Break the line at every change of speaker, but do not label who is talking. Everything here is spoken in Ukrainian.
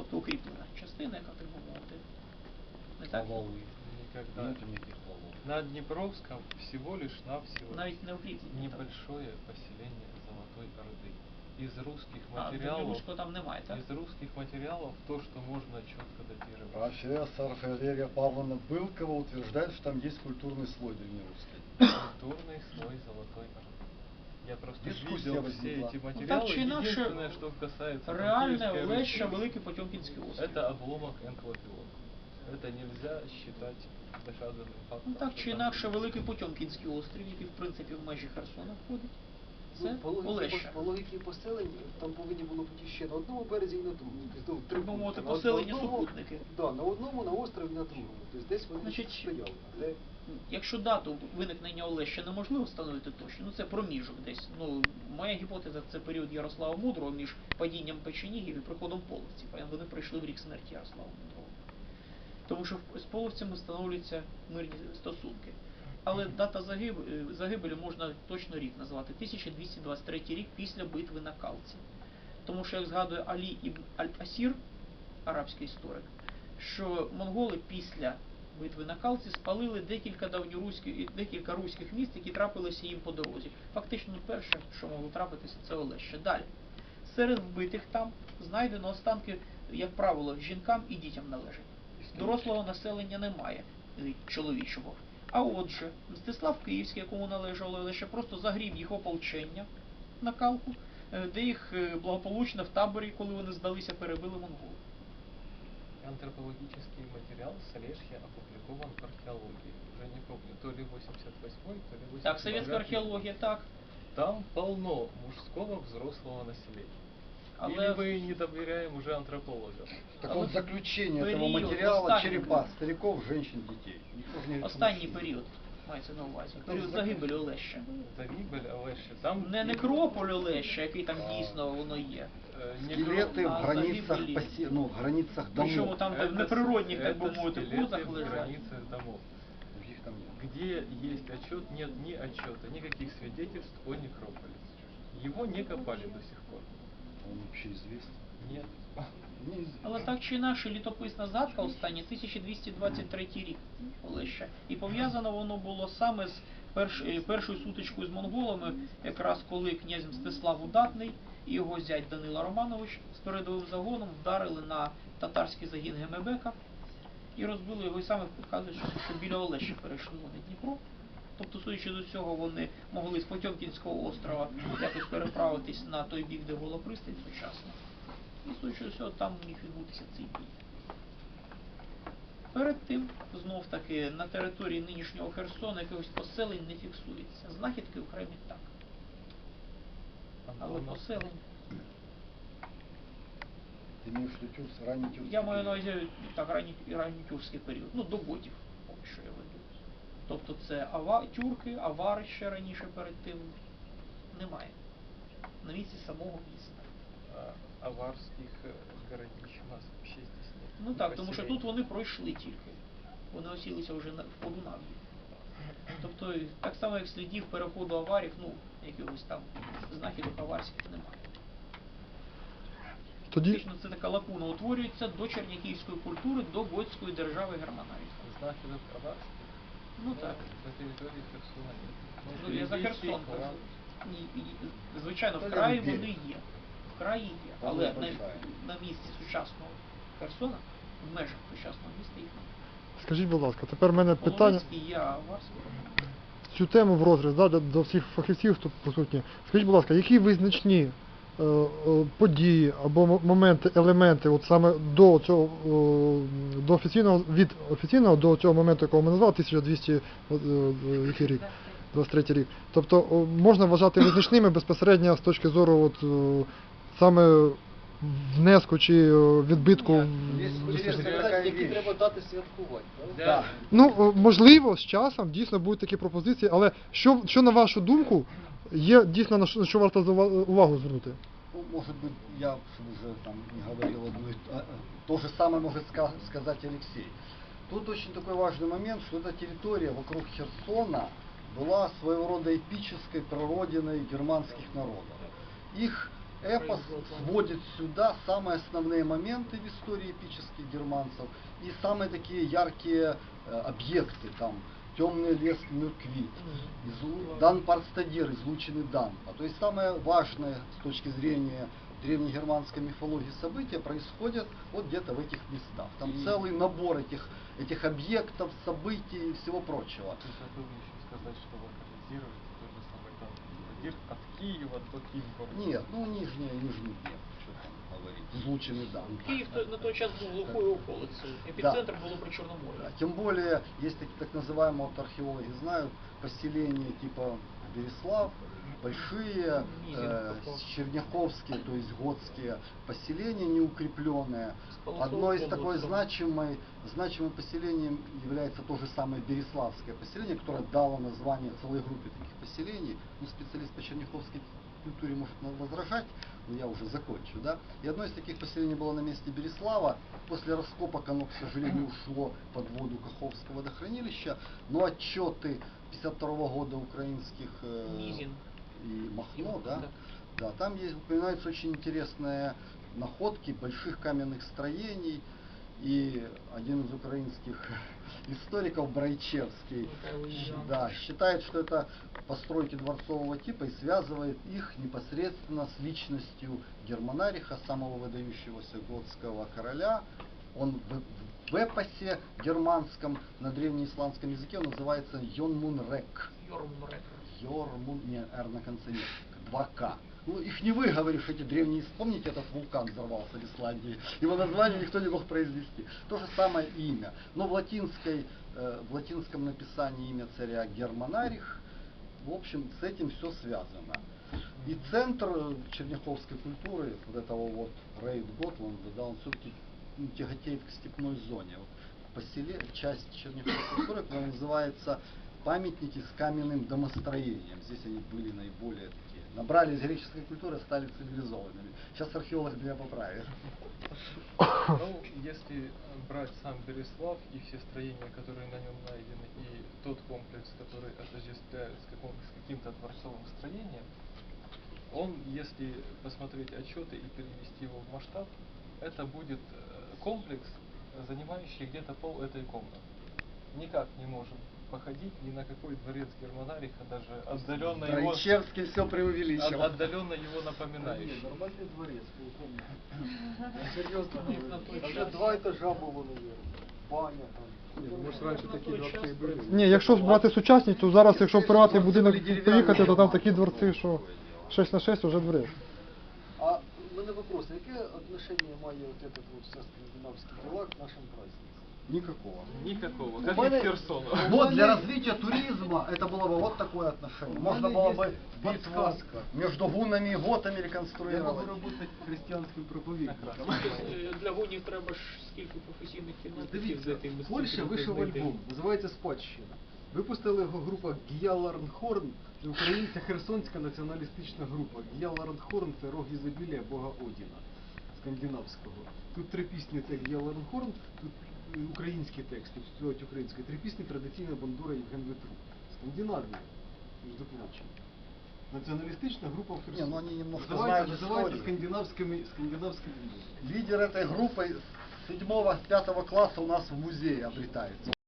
тобто укріплена частина, яка, так би мовити. Не так?
Валы. Никогда.
Нету никаких валов.
На Днепровском всего лишь навсего
Навіть не укріплені. так.
небольшое поселение Золотой Орды. Из русских
А,
материалов,
Древнеруського там немає, так?
из русских материалов то, что можно четко датировать.
Профессор Валерия Павловна Былкова утверждает, что там есть культурный слой древнерусский.
Культурный слой Золотой Орды. Я просто
Дискуссия
видел все
возникла.
эти
Ну, так
материалы.
чи інакше,
Единственное, что касается
реальне
Киевской
Олеща,
Руси,
Великий Потьомкінський острів.
это обломок энклопиона. Это нельзя считать доказанным фактом.
Ну так
что
чи
там
інакше,
были.
Великий Потьомкінський острів, який в принципі в межі Херсона входить, це
Ну,
Олеща.
по логіки поселень там повинні було бути ще на одному березі і на другому. Тобто, три
Так би мовити,
пункти.
поселення
На одному-
супутники.
Да, на одному, на острові, на другому. Тобто десь вони
Значить,
стояли. Але
Якщо дату виникнення Олеща неможливо встановити точно, ну це проміжок десь. Ну, моя гіпотеза це період Ярослава Мудрого між падінням печенігів і приходом половців. А вони прийшли в рік смерті Ярослава Мудрого. Тому що з половцями встановлюються мирні стосунки. Але дата загибелі можна точно рік назвати. 1223 рік після битви на Калці. Тому що, як згадує Алі ібн Аль-Асір, арабський історик, що монголи після битви на Калці спалили декілька руських міст, які трапилися їм по дорозі. Фактично перше, що могло трапитися, це Олеща. Далі. Серед вбитих там знайдено останки, як правило, жінкам і дітям належать. Дорослого населення немає, чоловічого. А отже, Мстислав Київський, якому належало Олеща, просто загріб їх ополчення на Калку, де їх благополучно в таборі, коли вони здалися, перебили монголи.
Антропологический материал с Олешья опубликован в археологии. Уже не помню, то ли 88-й, то ли 89-й.
Так, совєтська археологія, так.
Там полно мужского взрослого населения.
Але
Или мы не доверяем уже антропологам?
Так
А
вот
вот
заключение этого
период
материала
останній-
черепа стариков, женщин, детей. Никто же не
останній
рекомендует.
період мається на увазі. Період загибелі Олеща.
Загибель Олешья. Там
Не некрополь Олеща, який там дійсно воно є.
Скелеты в
А
границах,
загибели-
ну, в границах
Причому
домов.
там в неприродних, так би мовити,
скелеты
позах
в
лежать.
границах домов.
Других там нет.
Где есть отчет, нет ни отчета, никаких свидетельств о некрополе. Его не копали до сих пор.
Он вообще известен.
Нет.
Неизвестен.
Але так чи інакше, літописна згадка остання 1223 рік Олеща. І пов'язано воно було саме з першою сутичкою з монголами, якраз коли князь Мстислав Удатний і його зять Данила Романович з передовим загоном вдарили на татарський загін Гемебека і розбили його, і саме вказують, що біля Олеща перейшли вони Дніпро. Тобто, судячи до цього, вони могли з Потьомкінського острова якось переправитись на той бік, де була пристань сучасна. І судячи до цього, там міг відбутися цей бій. Перед тим, знов таки, на території нинішнього Херсона якихось поселень не фіксується. Знахідки окремі так. Але поселень.
Ты имеешь в виду ранний тюркский
Я маю на
период?
увазі так, ранньотюркський період. Ну, до готів, поки що я веду. Тобто це тюрки, авари ще раніше перед тим немає. На місці самого міста.
Аварских городищ у нас вообще здесь нет.
Ну так, тому що
Поселений.
тут вони пройшли тільки. Вони осілися вже в Подунав'ї. Тобто, так само, як слідів переходу аварів, ну, якихось там знахідок аварських немає.
Тоді
Фактично, це така лакуна утворюється до черняківської культури, до готської держави Германарії.
Знахідок аварских?
Ну так.
На території Херсона нет.
Ну, я за
Ельбійський
Херсон
клан.
кажу. Звичайно, в
Та
краї
де?
вони є. В краї є.
Та
Але
вона большая.
на місці сучасного Херсона, в межах сучасного міста їх немає.
скажіть, будь ласка, тепер в мене питання.
Половецький є, а Аварський.
Цю тему в розріз, да, до всіх фахівців, хто присутні. Скажіть, будь ласка, які визначні події або моменти, елементи, от саме до цього, до офіційного, від офіційного до цього моменту, якого ми назвали, 1200 який рік, 23 рік. Тобто можна вважати визначними безпосередньо з точки зору от, саме внеску чи відбитку.
Є
Хочете
Інтересно,
сказати,
яка
які
віч.
треба дати святкувати, правда?
Да.
Ну, можливо, з часом дійсно будуть такі пропозиції, але що на вашу думку, є дійсно на що варто увагу звернути?
Ну, может быть, я чтобы уже там не говорил одно, то же самое может сказать Алексей. Тут очень такой важный момент, что эта территория вокруг Херсона была своего рода эпической прародиной германских народов. Их эпос сводит сюда самые основные моменты в истории эпических германцев и самые такие яркие объекты, там, темный лес Мюрквит, Дан Парстадир, излученный Данпа. То есть самое важное с точки зрения древнегерманской мифологии события происходят вот где-то в этих местах. Там целый набор этих объектов, событий и всего прочего.
Ты забыл еще сказать, что локализировать тот же самый Дан Парстадир от Киева до Киевгорода.
Нет, ну Нижний Днепр, что там говорить, излученный Данпа.
Київ на той час був глухою околицею. Епіцентр було при Чорноморі.
Да, тем более, есть такие так называемые, вот археологи знают, поселения типа Береслав, большие, черняховские, то есть готские поселения неукрепленные. Одно из такой значимым поселением является то же самое Береславское поселение, которое дало название целой группе таких поселений. Ну, специалист по черняховской культуре может возражать, но я уже закончу, да. И одно из таких поселений было на месте Береслава. После раскопок оно, к сожалению, ушло под воду Каховского водохранилища, но отчеты 52 года украинских
Низин.
и Махно, да, там есть, упоминаются очень интересные находки больших каменных строений, и один из украинских историков, Брайчевский, да, считает, что это постройки дворцового типа и связывает их непосредственно с личностью Германариха, самого выдающегося готского короля. Он в эпосе германском на древнеисландском языке он называется Йонмунрек. Йормун, не, R на конце нет, 2К. Ну, их не выговоришь, эти древние, помните, этот вулкан взорвался в Исландии, его название никто не мог произвести. То же самое имя, но в латинском написании имя царя Германарих, в общем, с этим все связано. И центр черняховской культуры, вот этого вот Рейд Готланда, да, он все-таки тяготеет к степной зоне. Вот часть черняховской культуры, которая называется памятники с каменным домостроением. Здесь они были наиболее такие. Набрались греческой культуры, стали цивилизованными. Сейчас археолог меня поправит.
Ну, если брать сам Береслав и все строения, которые на нем найдены, и тот комплекс, который отождествляют с каким-то дворцовым строением, он, если посмотреть отчеты и перевести его в масштаб, это будет комплекс, занимающий где-то пол этой комнаты. Никак не можем походить ни на какой дворец Германариха, даже отдаленно его,
Брайчевский все преувеличил.
отдаленно его напоминающий.
Нормальный дворец, полковник. Серьезно, там же 2 этажа было, наверное. Баня там.
Может, раніше такі дворці і були.
Ні, якщо брати сучасність, то зараз, якщо в приватний будинок поїхати, то там такі дворці, що 6 на 6 вже дворець.
А у мене вопрос, яке отношение має вот этот вот все скандинавський дела к нашим праздникам?
Никакого.
Никакого,
У
как и
мене-
к Херсону.
Вот для развития туризма это было бы вот такое отношение. Можно было бы битву между гуннами и готами
Я можу
реконструировать.
работать християнським проповідником.
Для гонів треба ж скільки професійних кінотів
Дивіться,
знайти.
в Польщі вийшов альбом, називається «Спадщина». Випустила його група Гія Ларнхорн, це українська херсонська націоналістична група. Гія Ларнхорн – це рог ізобілія бога Одіна, скандинавського. Тут 3 пісні – це Гія Ларнхорн, тут український текст, тут співають українською. 3 пісні традиційна бандура Євген Ветрук. Скандинавія, між прочим. Націоналістична група в Херсоні.
Не, ну они немножко
Називається
знают историю.
скандинавським
Лидер этой группы с 7-5 класса у нас в музее обретается.